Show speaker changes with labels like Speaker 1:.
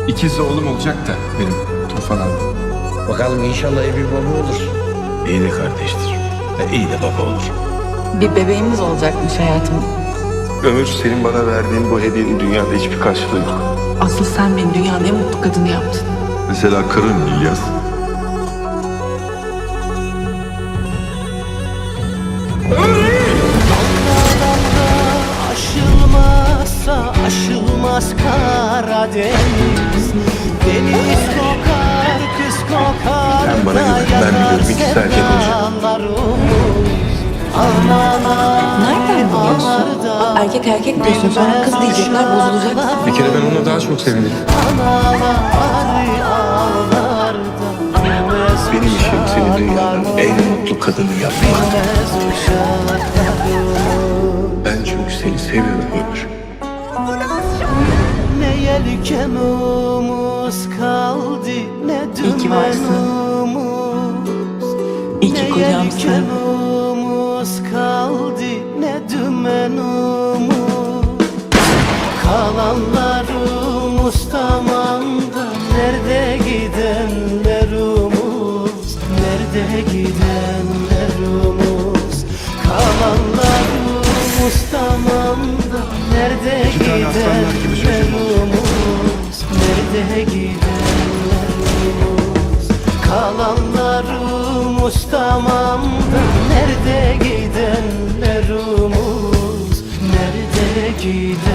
Speaker 1: İkiz oğlum olacak da benim Tufan abi.
Speaker 2: Bakalım inşallah iyi bir baba olur.
Speaker 3: İyi de kardeştir. İyi de baba olur.
Speaker 4: Bir bebeğimiz olacakmış hayatım.
Speaker 5: Ömür, senin bana verdiğin bu hediyenin dünyada hiçbir karşılığı yok.
Speaker 4: Asıl sen beni dünyanın en mutlu kadını yaptın.
Speaker 5: Mesela karın İlyas.
Speaker 6: Aşılmazsa aşılmaz Karadeniz. Deniz kokar, kız kokar.
Speaker 5: Sen bana güven, ben biliyorum. İkisi de erkek olacak.
Speaker 4: Nereden biliyorsun? Erkek erkek diyorsun, sonra kız diyecekler, bozulacak.
Speaker 1: Bir kere ben ona daha çok sevindim.
Speaker 5: Benim işim seni dünyanın en mutlu kadını yapmak. Ben çünkü seni seviyorum Ömür.
Speaker 6: Ne yelkenimiz kaldı, ne
Speaker 4: İyi ki varsın.
Speaker 6: dümenimiz.
Speaker 4: İyi ki kocamsın.
Speaker 6: Ne yelkenimiz kaldı, ne dümenimiz. Kalanlarımız tamamda, nerede gidenlerimiz, nerede gidenlerimiz. Kalanlarımız tamamda, nerede gidenlerimiz, nerede gidenlerimiz. Kalanlarımız tamamda, nerede gidenlerimiz, nerede gidenlerimiz.